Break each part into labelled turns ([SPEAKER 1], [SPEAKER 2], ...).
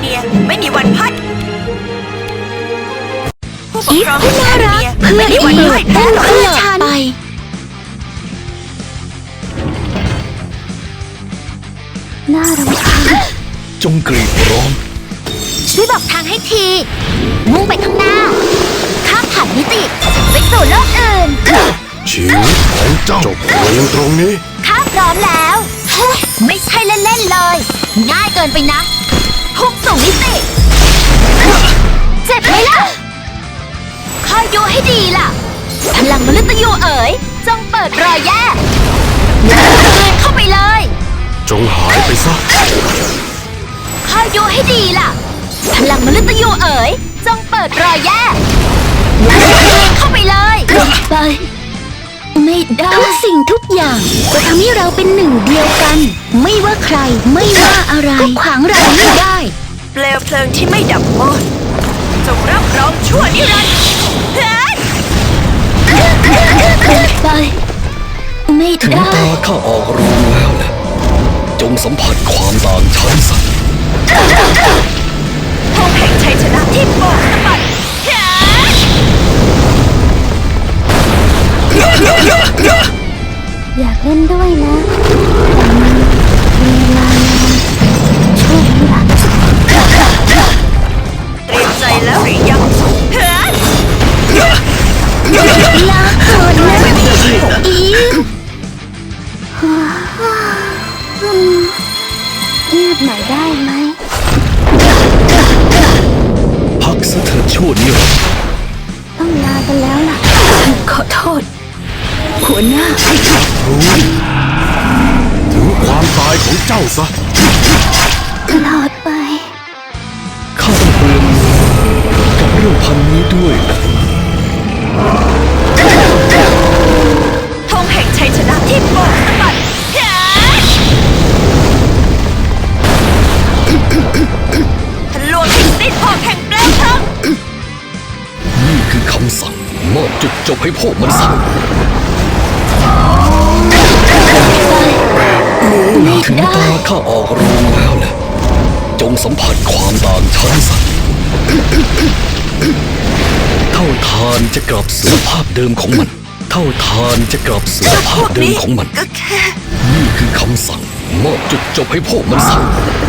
[SPEAKER 1] นียไม่มีวันพัดผู้ปก
[SPEAKER 2] อีฟ
[SPEAKER 1] ครอง
[SPEAKER 2] ผู้น่ารัก
[SPEAKER 1] แอคเนียไม่มีวันพ่ายแพ้หรอก
[SPEAKER 2] เพื่อฉันไปน่ารำคาญ
[SPEAKER 3] จงกรีดร้อง
[SPEAKER 2] ช่วยบอกทางให้ที มุ่งไปข้างหน้า ข้ามผ่านมิติไปสู่โลกอื่น
[SPEAKER 3] ชีวิตของเจ้าจบลงตรงนี้
[SPEAKER 2] ข้าพร้อมแล้วเฮ้ยไม่ใช่เล่นๆเลย ง่ายเกินไปนะพุ่งสู่มิติ เจ็บไหมล่ะ คอยดูให้ดีล่ะ พลังมฤตยูเอ๋ยจงเปิดรอยแย่เข้าไปเลย
[SPEAKER 3] จงหายไปซะ
[SPEAKER 2] คอยดูให้ดีล่ะ พลังมฤตยูเอ๋ยจงเปิดรอยแย่เข้าไปเลยไป ไม่ได้ทุกสิ่งทุกอย่างจะทำให้เราเป็นหนึ่งเดียวกัน ไม่ว่าใครไม่ว่าอะไรก็ขวางเราไม่ได้
[SPEAKER 1] เปลวเพลิงที่ไม่ดับมอดจงรับรองชั่วนิรันดร์เฮ้ย
[SPEAKER 2] ไป ไม่
[SPEAKER 3] ถึง
[SPEAKER 2] ได้
[SPEAKER 3] ตาข้าออกรูแล้วแหละจงสัมผัสความต่างชั้นสัตว์
[SPEAKER 1] ธงแห่งชัยชนะที่โบกสะบัดเฮ้ย
[SPEAKER 2] อยากเล่นด้วยนะแต่มันมีเวลานานช่วงนี้ล่ะ
[SPEAKER 1] เตรียมใจแล้วหรือยังเฮ้ย
[SPEAKER 2] ลาก่อนนะอีเงียบหน่อยได้ไหม
[SPEAKER 3] พักซะเถิดชั่วนิรันดร์
[SPEAKER 2] ต้องลากันแล้วล่ะ ขอโทษ หัวหน้า
[SPEAKER 3] ถึงความตายของเจ้าซะ
[SPEAKER 2] ตลอดไป
[SPEAKER 3] ข้าต้องเปลืองเงินกับเรื่องพันนี้ด้วยนะ
[SPEAKER 1] ธงแห่งชัยชนะที่โบกสะบัดเฮ้ยทะลวงทิ้งสิ้นหอกแห่งเปลวเพลิง
[SPEAKER 3] นี่คือคำสั่งมอบจุดจบให้พวกมันซะถึงตาข้าออกรูแล้วแหละจงสัมผัสความต่างชั้นสัตว์เท่าทานจะกลับสู่สภาพเดิมของมัน เท่าทานจะกลับสู่สภาพเดิมของมัน
[SPEAKER 1] ก็แค่
[SPEAKER 3] นี่คือคำสั่งมอบจุดจบให้พวกมันซะ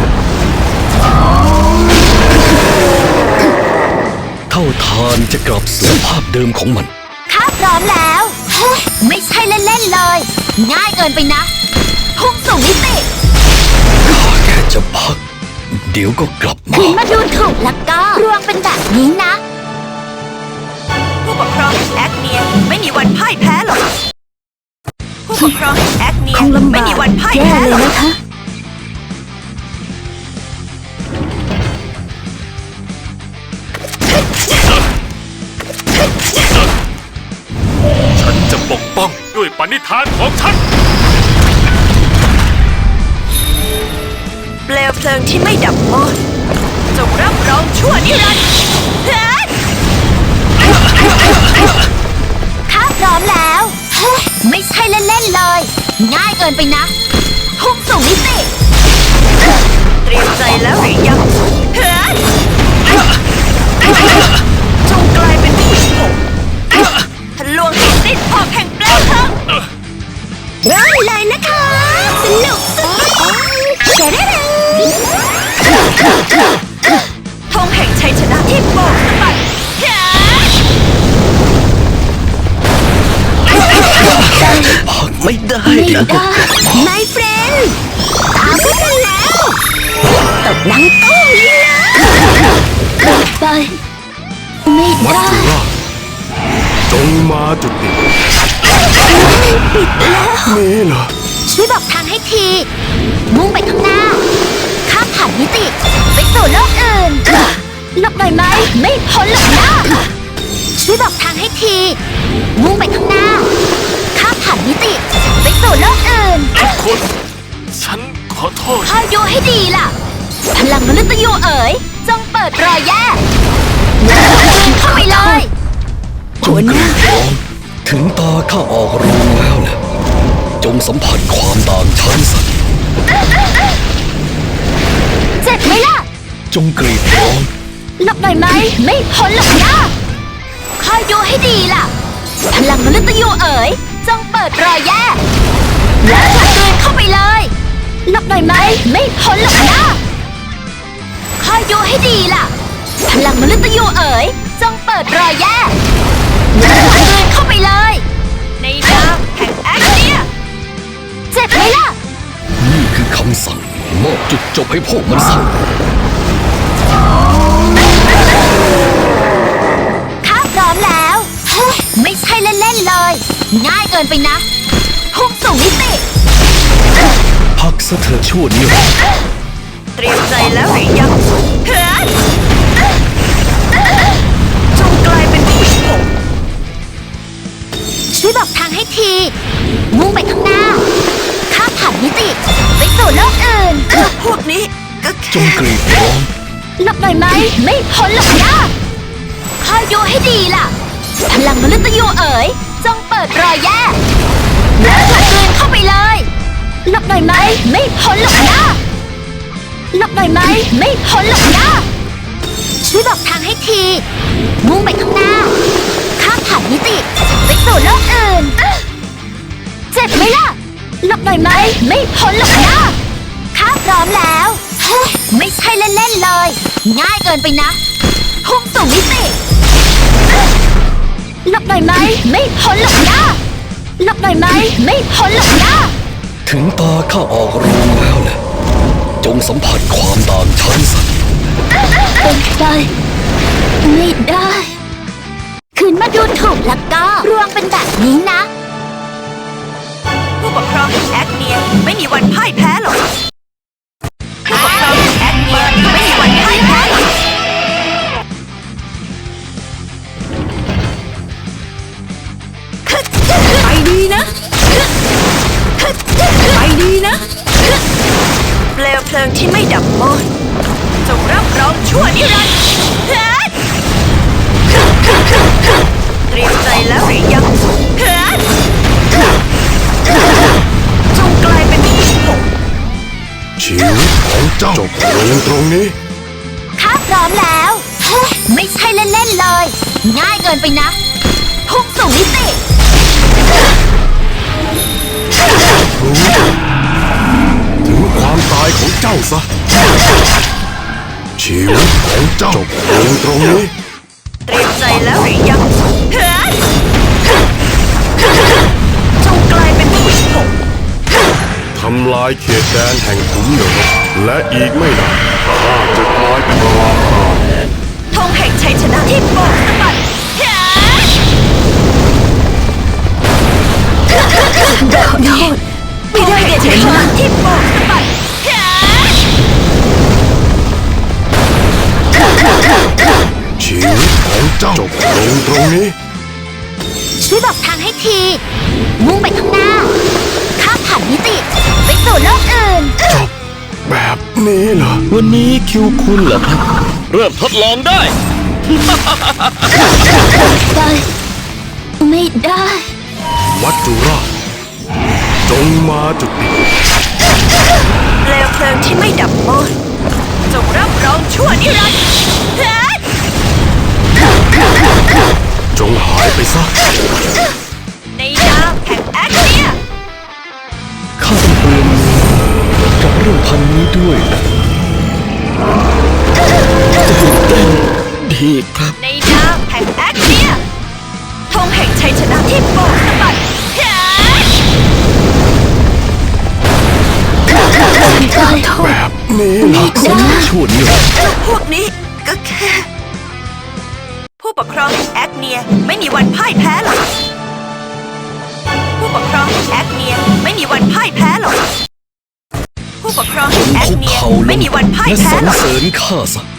[SPEAKER 3] เท่าทานจะกลับสู่สภาพเดิมของมัน
[SPEAKER 2] ข้าพร้อมแล้วเฮ้ยไม่ใช่เล่นๆเลย ง่ายเกินไปนะ พุ่งสู่มิติ
[SPEAKER 3] ข้าแค่จะพัก เดี๋ยวก็กลับมา
[SPEAKER 2] ถึงมาดูถูกแล้วก็รวงเป็นแบบนี้นะ
[SPEAKER 1] ผู้ปกครองแห่งแอคเนียไม่มีวันพ่ายแพ้หรอกผู้ปกครองแห่งแอคเนียไม่มีวันพ่ายแพ้หรอก
[SPEAKER 4] ฉันจะปกป้องด้วยปณิธานของฉัน
[SPEAKER 1] เปลวเพลิงที่ไม่ดับมอดจงรับรองชั่วนิรันดร์เฮ้ย
[SPEAKER 2] ข้าพร้อมแล้วเฮ้ยไม่ใช่เล่นๆเลย ง่ายเกินไปนะ พุ่งสู่มิติ
[SPEAKER 1] เตรียมใจแล้วหรือยังเฮ้ยจงกลายเป็นผู้หญิงทะลวงทิ้งสิ้นหอกแห่งเปลวเพลิง
[SPEAKER 2] เริ่มเลยนะคะ สนุกสุดเชดเด
[SPEAKER 1] ธงแห่งชัยชนะที่โบกสะบัดเฮ้ย
[SPEAKER 3] พักไม่ได้
[SPEAKER 2] ไม่
[SPEAKER 3] เดี๋ยวก็
[SPEAKER 2] ได้ My friend ตามพวกกันแล้วตบดังตุ้มเลยนะไป ไม่
[SPEAKER 3] มัจ
[SPEAKER 2] ได้
[SPEAKER 3] จุราชจงมาจุดนี้
[SPEAKER 2] ปิดแล้ว
[SPEAKER 3] นี่เหรอ
[SPEAKER 2] ช่วยบอกทางให้ที มุ่งไปข้างหน้า ข้ามผ่านมิติ ไปสู่โลกอื่นหลบหน่อยไหม ไม่พ้นหรอกนะช่วยบอกทางให้ที มุ่งไปข้างหน้า ข้ามผ่านมิติ ไปสู่โลกอื่น
[SPEAKER 4] ทุกคน ฉันขอโทษ
[SPEAKER 2] คอยดูให้ดีล่ะ พลังมฤตยูเอ๋ยจงเปิดรอยแย่เข้าไปเลย
[SPEAKER 3] จงกรีดร้องถึงตาข้าออกรูแล้วแหละจงสัมผัสความต่างชั้นสัตว์
[SPEAKER 2] เจ็บไหมล่ะ
[SPEAKER 3] จงกรีดร้อง
[SPEAKER 2] หลบหน่อยไหม ไม่พ้นหรอกนะคอยดูให้ดีล่ะ พลังมนุษย์ยูเอ๋ยจงเปิดรอยแย่แล้วผลักเดินเข้าไปเลยหลบหน่อยไหม ไม่พ้นหรอกนะคอยดูให้ดีล่ะ พลังมนุษย์ยูเอ๋ยจงเปิดรอยแย่แล้วผลักเดินเข้าไปเลย
[SPEAKER 1] ในนามแห่งแอคเนีย
[SPEAKER 2] เจ็บไหมล่ะ
[SPEAKER 3] นี่คือคำสั่งมอบจุดจบให้พวกมันซะ
[SPEAKER 2] ข้าพร้อมแล้วเฮ้ยไม่ใช่เล่นๆเลย ง่ายเกินไปนะพุ่งสู่มิติ
[SPEAKER 3] พักซะเธอชั่วนิรันดร์
[SPEAKER 1] เตรียมใจแล้วหรือยังเฮ้ยจงกลายเป็นผู้หญิง
[SPEAKER 2] ช่วยบอกทางให้ที มุ่งไปข้างหน้า ข้ามผ่านมิติ ไปสู่โลกอื่น
[SPEAKER 1] พวกนี้ก็
[SPEAKER 3] จ
[SPEAKER 1] แค่
[SPEAKER 3] งกรีดร้อง
[SPEAKER 2] หลบหน่อยไหม ไม่พ้นหรอกนะคอยดูให้ดีล่ะ พลังมนุษย์ยูเอ๋ยจงเปิดรอยแย่แล้วผลักเดินเข้าไปเลยหลบหน่อยไหม ไม่พ้นหรอกนะหลบหน่อยไหม ไม่พ้นหรอกนะช่วยบอกทางให้ที มุ่งไปข้างหน้า ข้ามผ่านมิติ ไปสู่โลกอื่น เจ็บไหมล่ะหลบหน่อยไหม ไม่พ้นหรอกนะข้าพร้อมแล้วเฮ้ยไม่ใช่เล่นๆเลย ง่ายเกินไปนะพุ่งสู่มิติหลบหน่อยไหม ไม่พ้นหรอกนะหลบหน่อยไหม ไม่พ้นหรอกนะ
[SPEAKER 3] ถึงตาข้าออกโรงแล้วแหละจงสัมผัสความต่างชั้นซะ
[SPEAKER 2] เป็นไปไม่ได้คืนมาดูถูกแล้วก็รวงเป็นแบบนี้นะ
[SPEAKER 1] ผู้ปกครองแห่งแอคเนียไม่มีวันพ่ายแพ้หรอกผู้ปกครองแห่งแอคเนียไม่มีวันพ่ายแพ้หรอกไปดีนะไปดีนะเปลวเพลิงที่ไม่ดับมอดจงรับรองชั่วนิรันดร์เตรียมใจแล้วหรือยังจงกลายเป็นผู้หญิงผม
[SPEAKER 4] ชีวิตของเจ้าจบลงตรงนี้
[SPEAKER 2] ข้าพร้อมแล้วเฮ้ยไม่ใช่เล่นๆเลย ง่ายเกินไปนะพุ่งสู่มิติ
[SPEAKER 4] ถึงความตายของเจ้าซะ ชีวิตของเจ้าจบลงตรงนี้
[SPEAKER 1] เตรียมใจแล้วหรือยังจงกลายเป็นผู้หญิงผม
[SPEAKER 4] ทำลายเขตแดนแห่งขุมนรกและอีกไม่นานข้าจะกลายเป็นราคา
[SPEAKER 1] ธงแห่งชัยชนะที่โบกสะบัดไม่ได้เชัยชนะที่โบกสะบัด
[SPEAKER 4] ชีวิตของเจ้าจบลงตรงนี้
[SPEAKER 2] ช่วยบอกทางให้ที มุ่งไปข้างหน้า ข้ามผ่านมิติ ไปสู่โลกอื่น
[SPEAKER 4] จบแบบนี้เหรอ
[SPEAKER 3] วันนี้คิวคุณเหรอครับ เริ่มทดลองได้
[SPEAKER 2] ไปไม่ได้
[SPEAKER 4] วัดจุราชจงมาจุติ
[SPEAKER 1] เปลวเพลิงที่ไม่ดับมอดจงรับรองชั่วนิรันดร์
[SPEAKER 4] จงหายไปซะ
[SPEAKER 1] ในนามแห่งแอคเนีย
[SPEAKER 3] ข้าต้องเปลี่ยนกับเรื่องพันนี้ด้วยนะจะตื่นเต้นดีครับ
[SPEAKER 1] ในนามแห่งแอคเนียธงแห่งชัยชนะที่โบกสะบัด
[SPEAKER 4] แบบนี้เหรอ
[SPEAKER 3] สมชั่วนิรันดร์
[SPEAKER 1] เจ้าพวกนี้ก็แค่ ผู้ปกครองแห่งแอคเนียไม่มีวันพ่ายแพ้หรอกผู้ปกครองแห่งแอคเนียไม่มีวันพ่ายแพ้หรอกผู้ปกครอง
[SPEAKER 3] จ
[SPEAKER 1] แห่ง
[SPEAKER 3] ง
[SPEAKER 1] แอค
[SPEAKER 3] คุก
[SPEAKER 1] เนีย
[SPEAKER 3] เข่าล
[SPEAKER 1] ไม่
[SPEAKER 3] ง
[SPEAKER 1] มีวันพ่าย
[SPEAKER 3] และ
[SPEAKER 1] แพ้
[SPEAKER 3] สรร
[SPEAKER 1] หรอก
[SPEAKER 3] เสริญข้าซะ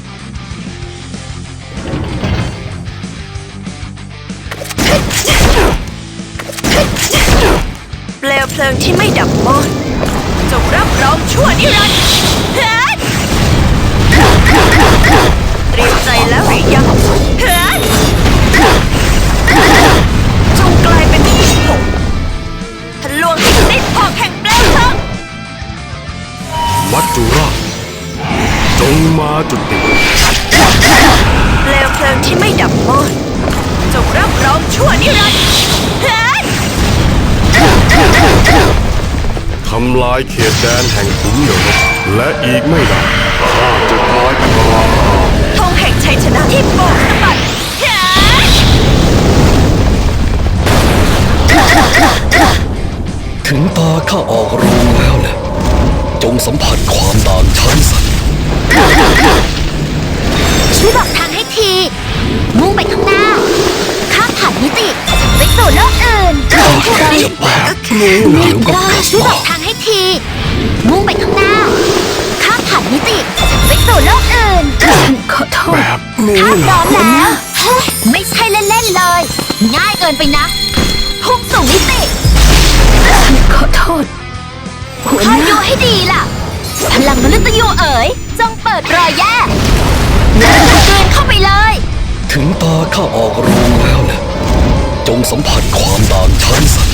[SPEAKER 1] เปลวเพลิงที่ไม่ดับมอดจงรับรองชั่วนิรันดร์เตรียมใจแล้วหรือยังจงกลายเป็นผู้หญิงผมทะลวงให้สิ้นออกแห่งเปลวเพลิง
[SPEAKER 4] วัดจุราชจงงมาจุติ
[SPEAKER 1] เปลวเพลิงที่ไม่ดับมอดจงรับรองชั่วนิรันดร์เฮ้ย
[SPEAKER 4] ทำลายเขตแดนแห่งขุมนรกและอีกไม่นานข้าจะกลายเป็นราชา
[SPEAKER 1] ธงแห่งชัยชนะที่โบกสะบัดเฮ้ย
[SPEAKER 3] ถึงตาข้าออกโรงแล้วแหละจงสัมผัสความต่างชั้นสัตว์
[SPEAKER 2] ช่วยบอกทางให้ที มุ่งไปข้างหน้า ข้ามผ่านมิติ ไปสู่โลกอื่น
[SPEAKER 3] ข้าจะแบบนี้เดี๋ยวก็กลับ
[SPEAKER 2] ช่วยบ
[SPEAKER 3] มา
[SPEAKER 2] อกทางให้ที มุ่งไปข้างหน้า ข้ามผ่านมิติ ไปสู่โลกอื่น ขอโทษ
[SPEAKER 4] แบบนี้
[SPEAKER 2] ข้า
[SPEAKER 4] เห
[SPEAKER 2] พ
[SPEAKER 4] ร
[SPEAKER 2] ร้
[SPEAKER 4] อ
[SPEAKER 2] อมแล้ว ไม่ใช่เล่นๆเลย ง่ายเกินไปนะ พุ่งสู่มิติ ขอโทษคอยดูให้ดีล่ะ พลังมฤตยูเอ๋ย จงเปิดรอยแย่แล้วกลืนเข้าไปเลย
[SPEAKER 3] ถึงตาข้าออกโรงแล้วแหละจงสัมผัสความต่างชั้นสัตว์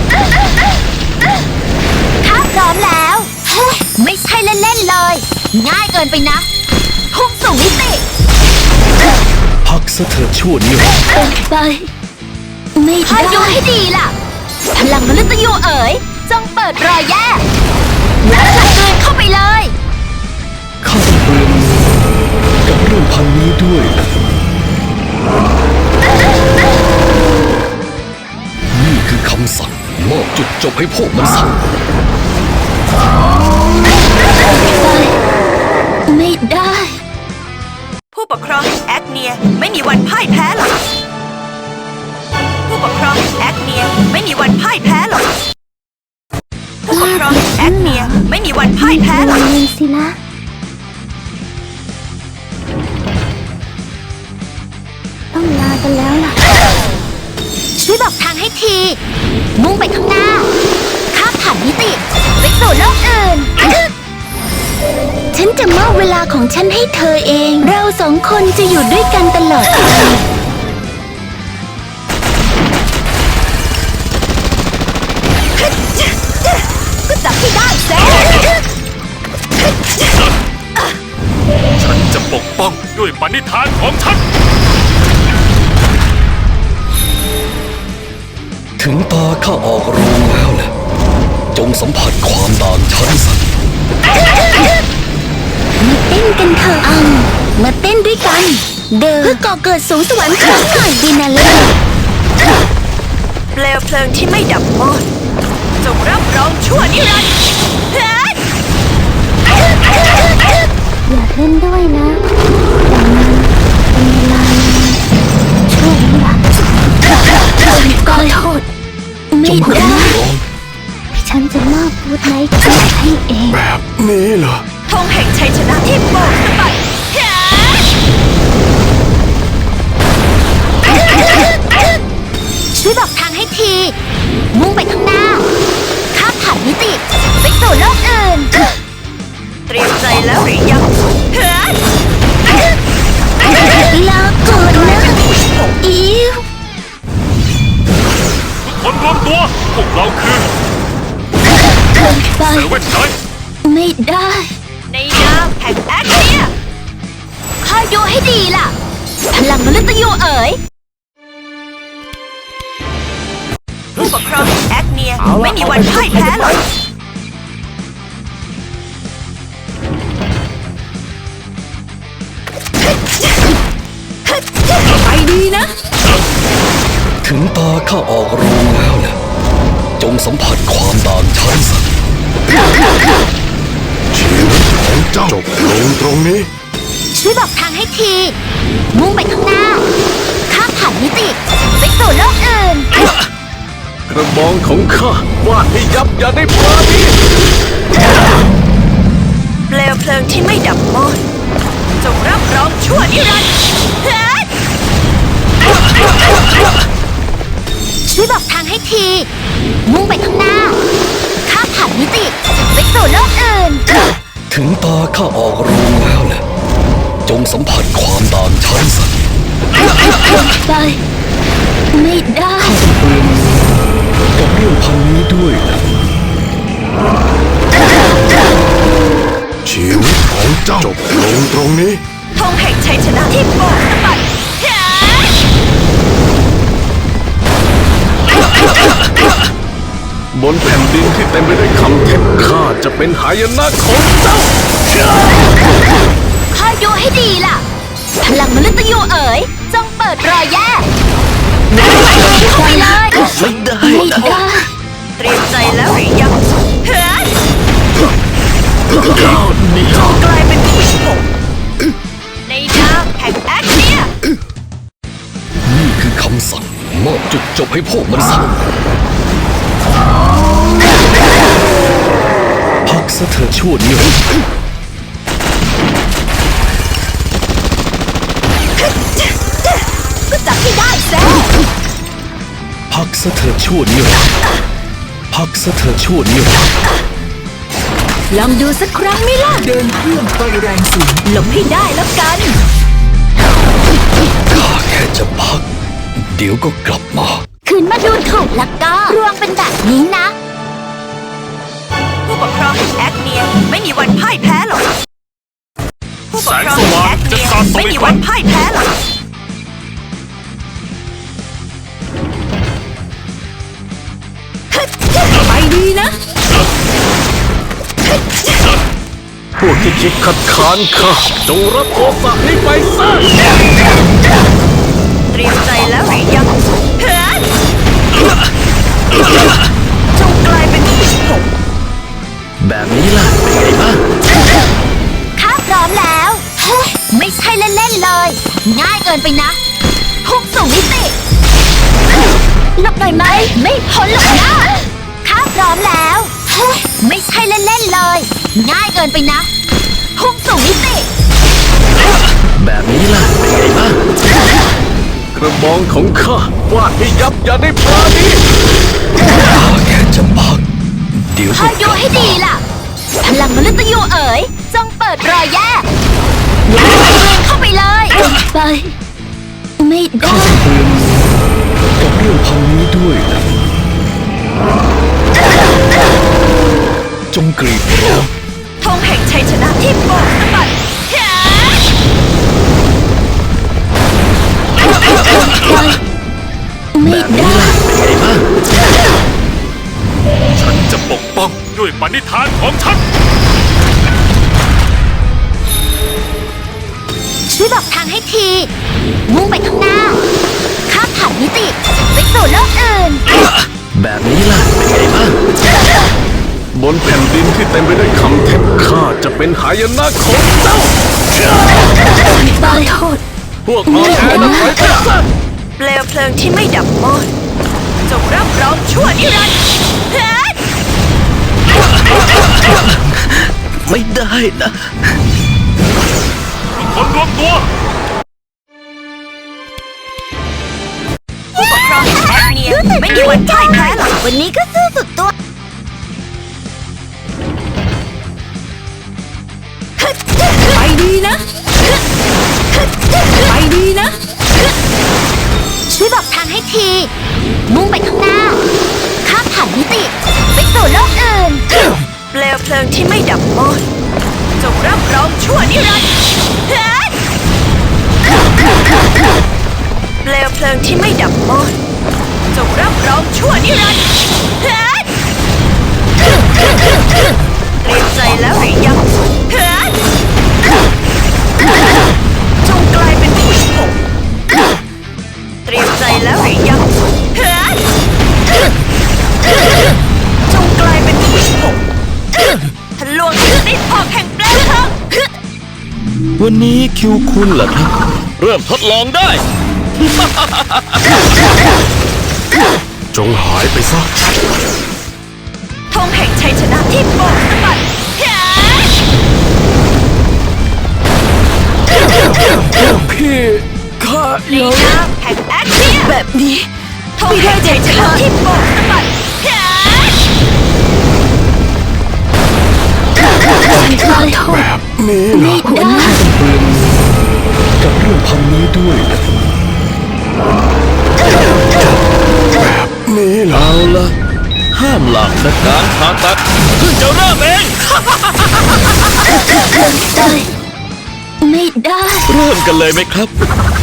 [SPEAKER 2] ข้าพร้อมแล้ว ไม่ใช่เล่นๆเลย ง่ายเกินไปนะ พุ่งสู่มิติ
[SPEAKER 3] พักซะเถิดชั่วนิรันดร์
[SPEAKER 2] ไป ไม่คอยดูให้ดีล่ะ พลังมฤตยูเอ๋ย จงเปิดรอยแย่แล้วกลืนเข้าไปเลย
[SPEAKER 3] ข้าต้องเปลืองมือกับเรื่องพันนี้ด้วยนะนี่คือคำสั่งมอบจุดจบให้พวกมันสั่ง
[SPEAKER 2] ไม่ได้
[SPEAKER 1] ผู้ปกครองแห่งแอคเนียไม่มีวันพ่ายแพ้หรอกผู้ปกครองแห่งแอคเนียไม่มีวันพ่ายแพ้หรอกผู้ปกครองแห่งแอคเนียไม่มีวันพ่ายแพ้หรอก
[SPEAKER 2] เลยสิละต้องลากันแล้วล่ะ ช่วยบอกทางให้ที มุ่งไปข้างหน้า ข้ามผ่านมิติ ไปสู่โลกอื่น ฉันจะมอบเวลาของฉันให้เธอเอง เราสองคนจะอยู่ด้วยกันตลอดไป
[SPEAKER 1] ก็จับให้ได้เซ่
[SPEAKER 5] ฉันจะปกป้องด้วยปณิธานของฉัน
[SPEAKER 3] ถึงตาข้าออกโรงแล้วแหละจงสัมผัสความต่างชั้นสัตว์
[SPEAKER 2] มาเต้นกันเถอะมาเต้นด้วยกัน เพื่อก่อเกิดสูงสวรรค์ครั้งหน่อยดีนะเล่
[SPEAKER 1] เปลวเพลิงที่ไม่ดับมอดจงรับรองชั่วนิรันดร์เฮ้ย
[SPEAKER 2] อยากเล่นด้วยนะแต่มันเป็นเวลาช่วงนี้ล่ะขอโทษ ไม่ได้ ฉันจะมอบฟูดไนท์ให้เอง
[SPEAKER 4] แบบนี้เหรอ
[SPEAKER 1] ธงแห่งชัยชนะที่โบกสะบัดเฮ้ย
[SPEAKER 2] ช่วยบอกทางให้ที มุ่งไปข้างหน้า ข้ามผ่านมิติ ไปสู่โลกอื่น
[SPEAKER 1] เตรียมใจแล้วหรือยังเฮ้ย
[SPEAKER 2] ลาก่อนนะอิว
[SPEAKER 5] คนรวมตัว พวกเราคือ
[SPEAKER 2] ไป
[SPEAKER 5] เซเว่นไนท์
[SPEAKER 2] ไม่ได้
[SPEAKER 1] ในนามแห่งแอคเนีย
[SPEAKER 2] คอยดูให้ดีล่ะ พลังมฤตยูเอ๋ย
[SPEAKER 1] ผู้ปกครองแห่งแอคเนียไม่มีวันพ่ายแพ้หรอก ไปดีนะ
[SPEAKER 3] ถึงตาข้าออกโรงแล้วแหละจงสัมผัสความต่างชั้นสัตว์
[SPEAKER 4] ชีวิตของเจ้าจบลงตรงนี้
[SPEAKER 2] ช่วยบอกทางให้ที มุ่งไปข้างหน้า ข้ามผ่านมิติ ไปสู่โลกอื่น
[SPEAKER 3] กระบองของข้าวาดให้ยับอย่าได้ปราณี
[SPEAKER 1] เปลวเพลิงที่ไม่ดับมอดจงรับรองชั่วนิรันดร์เฮ้ย
[SPEAKER 2] ช่วยบอกทางให้ที มุ่งไปข้างหน้า ข้ามผ่านมิติ ไปสู่โลกอื่น
[SPEAKER 3] ถึงตาข้าออกโรงแล้วแหละจงสัมผัสความต่างชั้นสัตว์
[SPEAKER 2] ไป ไม่ได้
[SPEAKER 3] เปลืองมือกับเรื่องพันนี้ด้วยนะ
[SPEAKER 4] ชีวิตของเจ้าจบลลงตรงนี้
[SPEAKER 1] ธงแห่งชัยชนะที่โบกสะบัดเฮ้ย
[SPEAKER 4] บนแผ่นดินที่เต็มไปด้วยคำเท็จข้าจะเป็นหายนะของเจ้า
[SPEAKER 2] คอยดูให้ดีล่ะ พลังมฤตยูเอ๋ยจงเปิดรอยแย่เข้าไปเลย
[SPEAKER 3] ไม่ได้
[SPEAKER 2] ไม่
[SPEAKER 3] นะ
[SPEAKER 2] ได้
[SPEAKER 1] เตรียมใจแล้วหรือยังเฮ้ย
[SPEAKER 3] ก้าวเดียว
[SPEAKER 1] กลายเป็นผู้ชมในนามแห่งแอคเนีย
[SPEAKER 3] นี่คือคำสั่งมอบจุดจบให้พวกมันซะพักซะเธอชั่วนิรันดร์
[SPEAKER 2] ก็จับให้ได้แซ่
[SPEAKER 3] พักซะเธอชั่วนิรันดร์พักซะเธอชั่วนิรันดร์
[SPEAKER 2] ลองดูสักครั้งไหม่ล่ะ เดินเครื่องไฟแรงสูงหลบให้ได้แล้วกัน
[SPEAKER 3] ข้าแค่จะพัก เดี๋ยวก็กลับมา
[SPEAKER 2] คืนมาดูถูกแล้วก็รวงเป็นแบบนี้นะ
[SPEAKER 1] ผู้ปกครองแห่งแอคเนียไม่มีวันพ่ายแพ้หรอกผู้ปกครองแห่งแอคเนียไม่มีวันพ่ายแพ้หรอก
[SPEAKER 2] ไปดีนะ
[SPEAKER 4] พวกที่คิดคัดค้านข้าจงรับโทษะนี้ไปซะ
[SPEAKER 1] เตรียมใจแล้วหรือยังเฮ้ยจงกลายเป็นผู้ชม
[SPEAKER 3] แบบนี้ล่ะเป็นไงบ้าง
[SPEAKER 2] ข้าพร้อมแล้ว ไม่ใช่เล่นๆเลย ง่ายเกินไปนะพุ่งสู่มิติหลบหน่อยไหม ไม่พ้นหรอกนะข้าพร้อมแล้ว ไม่ใช่เล่นๆเลย ง่ายเกินไปนะพุ่งสู่มิติ
[SPEAKER 3] แบบนี้ล่ะเป็นไงบ้าง
[SPEAKER 4] กระบองของข้าวาดให้ยับอย่าได้ปราณี
[SPEAKER 3] ข้าแค่จะพัก เดี๋ยว
[SPEAKER 2] ค
[SPEAKER 3] ก็
[SPEAKER 2] อย
[SPEAKER 3] ก
[SPEAKER 2] ดู
[SPEAKER 3] ลับ
[SPEAKER 2] ให้ดีล่ะ พลังมฤตยูเอ๋ยจงเปิดรอยแย่เข้าไปเลยไป ไม่ได้
[SPEAKER 3] กับเรื่องพันนี้ด้วยนะจงกรีดร้อง
[SPEAKER 1] ธงแห่งชัยชนะที่โบกสะบัดเฮ้ย
[SPEAKER 2] ไม่ได้
[SPEAKER 3] เป็นไงบ้าง
[SPEAKER 5] ฉันจะปกป้องด้วยปณิธานของฉัน
[SPEAKER 2] ช่วยบอกทางให้ที มุ่งไปข้างหน้า ข้ามผ่านมิติ ไปสู่โลกอื่น
[SPEAKER 3] แบบนี้ล่ะเป็นไงบ้าง
[SPEAKER 4] บนแผ่นดินที่เต็มไปด้วยคำเท็จข้าจะเป็นหายนะของเจ้า
[SPEAKER 2] ขอโทษ
[SPEAKER 4] พวกอ่อนแอนั้นถอยไปซะ
[SPEAKER 1] เปลวเพลิงที่ไม่ดับมอดจงรับรองชั่วนิรันดร์เฮ้ย
[SPEAKER 3] ไม่ได้นะ
[SPEAKER 5] ทุกคนรวมตัว
[SPEAKER 1] ผู้ปกครองแห่งแอคเนียไม่มีวันพ่ายแพ้หรอก
[SPEAKER 2] วันนี้ก็สู้สุดตัว ไปดีนะ ไปดีนะ ช่วยบอกทางให้ที มุ่งไปข้างหน้า ข้ามผ่านมิติ ไปสู่โลกอื่น
[SPEAKER 1] เปลวเพลิงที่ไม่ดับมอดจงรับรองชั่วนิรันดร์เฮ้ยเปลวเพลิงที่ไม่ดับมอดจงรับรองชั่วนิรันดร์เฮ้ยเตรียมใจแล้วหรือยังเฮ้ยจงกลายเป็นผู้ชมเตรียมใจแล้วหรือยังเฮ้ยจงกลายเป็นผู้ชมทะลวงติดออกแห่งเปลวเพลิง
[SPEAKER 3] วันนี้คิวคุณเหรอครับ เริ่มทดลองได้
[SPEAKER 4] จงหายไปซะ
[SPEAKER 1] ธงแห่งชัยชนะที่โบกสะบัดเฮ้ย
[SPEAKER 3] พี่ข้า
[SPEAKER 1] ในนามแห่งแอคเนียแบบนี้ธงแห่งชัยชนะที่โบกสะบัดเฮ้ย
[SPEAKER 2] ขอโทษ
[SPEAKER 4] แบบนี้เหรอ
[SPEAKER 2] ได้
[SPEAKER 3] กับเรื่องพันนี้ด้วยนะ
[SPEAKER 4] นี่เหรอ
[SPEAKER 3] เอาละห้ามหลักนะการผ่าตัดเพิ่งจะเริ่มเอง
[SPEAKER 2] ได้ไม่ได้
[SPEAKER 3] เริ่มกันเลยไหมครับ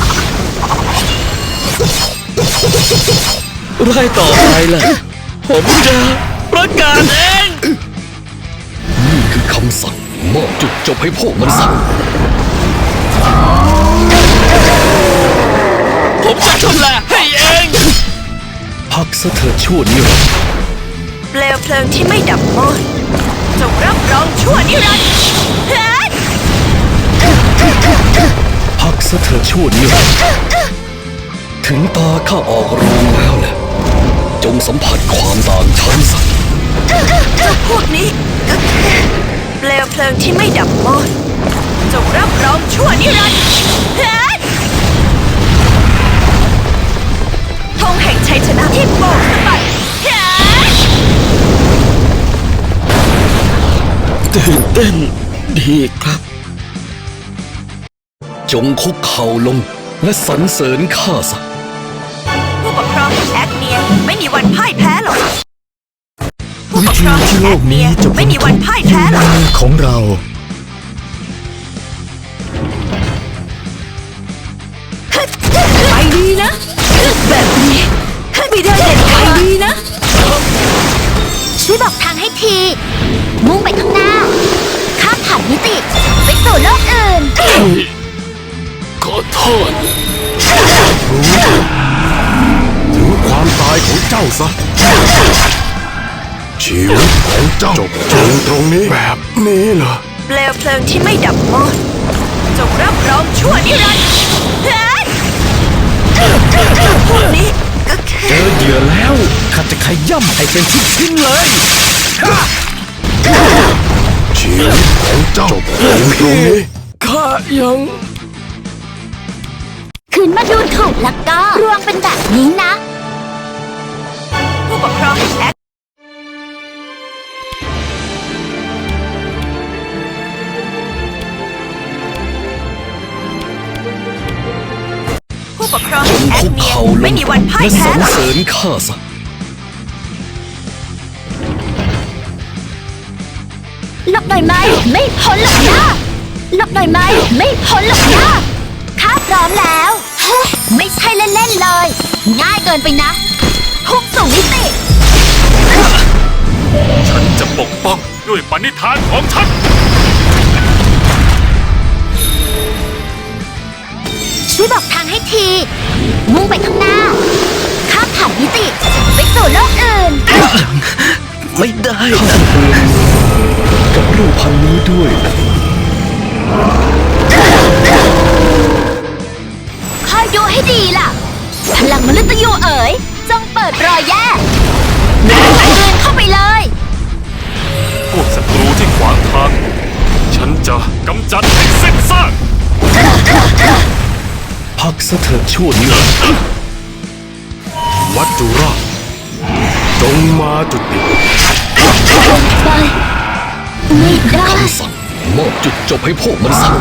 [SPEAKER 3] ไล่ต่อไปล่ะ ผมจะประกาศเอง นี่คือคำสั่งมอบจุดจบให้พวกมันสั่งผมจะชำระให้เอง พักซะเถิดชั่วนิรันดร์
[SPEAKER 1] เปลวเพลิงที่ไม่ดับมอดจงรับรองชั่วนิรันดร์เฮ้ย
[SPEAKER 3] พักซะเถิดชั่วนิรันดร์ถึงตาข้าออกโรงแล้วแหละจงสัมผัสความต่างชั้นสัก
[SPEAKER 1] เจ้าพวกนี้ก็แค่เปลวเพลิงที่ไม่ดับมอดจงรับรองชั่วนิรันดร์เฮ้ยธงแห่งชัยชนะที่โบกสะบัดเฮ้ย
[SPEAKER 3] ตื่นเต้นดีครับ จงคุกเข่าลงและสรรเสริญข้าสัก
[SPEAKER 1] ผู้ปกครองแอคเนียไม่มีวันพ่ายแพ้หรอกผู้
[SPEAKER 6] วิ
[SPEAKER 1] ปกค
[SPEAKER 6] ธี
[SPEAKER 1] รอง
[SPEAKER 6] ที่โลกนี้จะ
[SPEAKER 1] ไม่มีวันพ่ายแพ้หรอก
[SPEAKER 6] มือของเรา
[SPEAKER 2] ไปดีนะ แบบนี้ไม่ได้เด็ดขาดดีนะ ช่วยบอกทางให้ที มุ่งไปข้างหน้า ข้ามผ่านมิติ ไปสู่โลกอื่น
[SPEAKER 3] ขอโทษ
[SPEAKER 4] ถึงความตายของเจ้าซะ ชีวิตของเจ้าจบลงตรงนี้แบบนี้เหรอ
[SPEAKER 1] เปลวเพลิงที่ไม่ดับมอดจงรับรองชั่วนิรันดร์เฮ้ยเจ้าพวกนี้ก็แค่
[SPEAKER 6] เจอเหยื่อแล้วข้าจะขย่ำให้เป็นชิ้นๆเลย
[SPEAKER 4] ชีวิตของเจ้าจบลงตรงนี้
[SPEAKER 3] ข้ายัง
[SPEAKER 2] คืนมาดูถูกแล้วก็รวงเป็นแบบนี้นะ
[SPEAKER 1] ผู้ปกครองแอคผู้ปกครอง
[SPEAKER 3] จง
[SPEAKER 1] แอค
[SPEAKER 3] คุก
[SPEAKER 1] เนีย
[SPEAKER 3] เข่าล
[SPEAKER 1] ไม่
[SPEAKER 3] ง
[SPEAKER 1] มีวันพ่าย
[SPEAKER 3] และส
[SPEAKER 1] แพ้
[SPEAKER 3] รร
[SPEAKER 1] หรอก
[SPEAKER 3] เสริญข้าสัก
[SPEAKER 2] หลบหน่อยไหมไม่พ้นหรอกนะหลบหน่อยไหมไม่พ้นหรอกนะข้าพร้อมแล้วเฮ้ยไม่ใช่เล่นๆเลย ง่ายเกินไปนะพุ่งสู่มิติ
[SPEAKER 5] ฉันจะปกป้องด้วยปณิธานของฉัน
[SPEAKER 2] ช่วยบอกทางให้ที มุ่งไปข้างหน้า ข้ามผ่านมิติ ไปสู่โลกอื่น
[SPEAKER 3] ไม่ได้นะกับรูปพันนี้ด้วยนะ
[SPEAKER 2] คอยดูให้ดีล่ะ พลังมฤตยูเอ๋ย จงเปิดรอยแย่เดินเข้าไปเลย
[SPEAKER 5] พวกศัตรูที่ขวางทาง ฉันจะกำจัดให้สิ้นซาก
[SPEAKER 3] พักซะเถิดชั่วนิรันดร์
[SPEAKER 4] วัจจุราชจงมาจุติ
[SPEAKER 2] ไป ไม่ได้
[SPEAKER 3] คำสั่งมอบจุดจบให้พวกมันสั่ง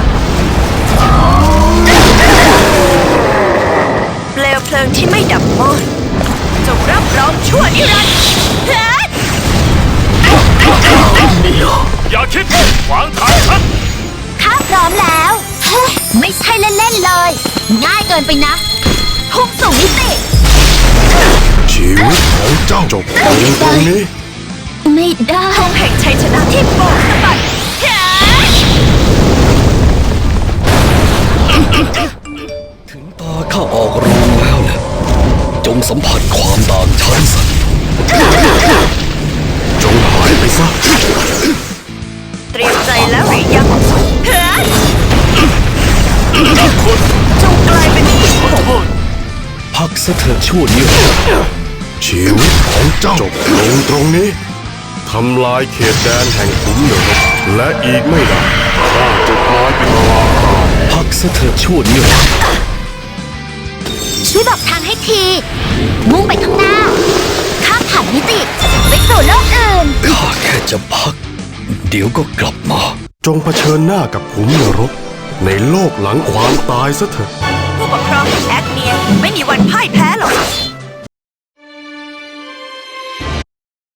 [SPEAKER 1] เปลวเพลิงที่ไม่ดับมอดจงรับรองชั่วนิรันดร์เฮ้ย
[SPEAKER 5] อย่าคิดขวางทางฉัน
[SPEAKER 2] ข้าพร้อมแล้วเฮ้ยไม่ใช่เล่นๆเลย ง่ายเกินไปนะพุ่งสู่มิติ
[SPEAKER 4] ชีวิตของเจ้าจบลงตรงนี้
[SPEAKER 2] ไม่ได้
[SPEAKER 1] ธงแห่งชัยชนะที่โบกสะบัดเฮ้ย
[SPEAKER 3] ถึงตาข้าออกโรงแล้วแหละจงสัมผัสความต่างชั้นสัก
[SPEAKER 4] จงหายไปซะ
[SPEAKER 1] เตรียมใจแล้วหรือยังเฮ้ย
[SPEAKER 5] คน
[SPEAKER 1] จงกลายเป็นที่
[SPEAKER 5] ขอโทษ
[SPEAKER 3] พักซะเถิดชั่วนิรันดร์
[SPEAKER 4] ชีวิตของเจ้าจบลงตรงนี้ทำลายเขตแดนแห่งขุมนรกและอีกไม่นานข้าจะกลายเป็นลา
[SPEAKER 3] พักซะเถิดชั่วนิรันดร์
[SPEAKER 2] ช่วยบอกทางให้ที มุ่งไปข้างหน้า ข้ามผ่านมิติ ไปสู่โลกอื่น
[SPEAKER 3] ข้าแค่จะพัก เดี๋ยวก็กลับมา
[SPEAKER 4] จงเผชิญหน้ากับขุมนรก ในโลกหลังความตายซะเถอะ
[SPEAKER 1] ผู้ปกครองแอคเนียไม่มีวันพ่ายแพ้หรอก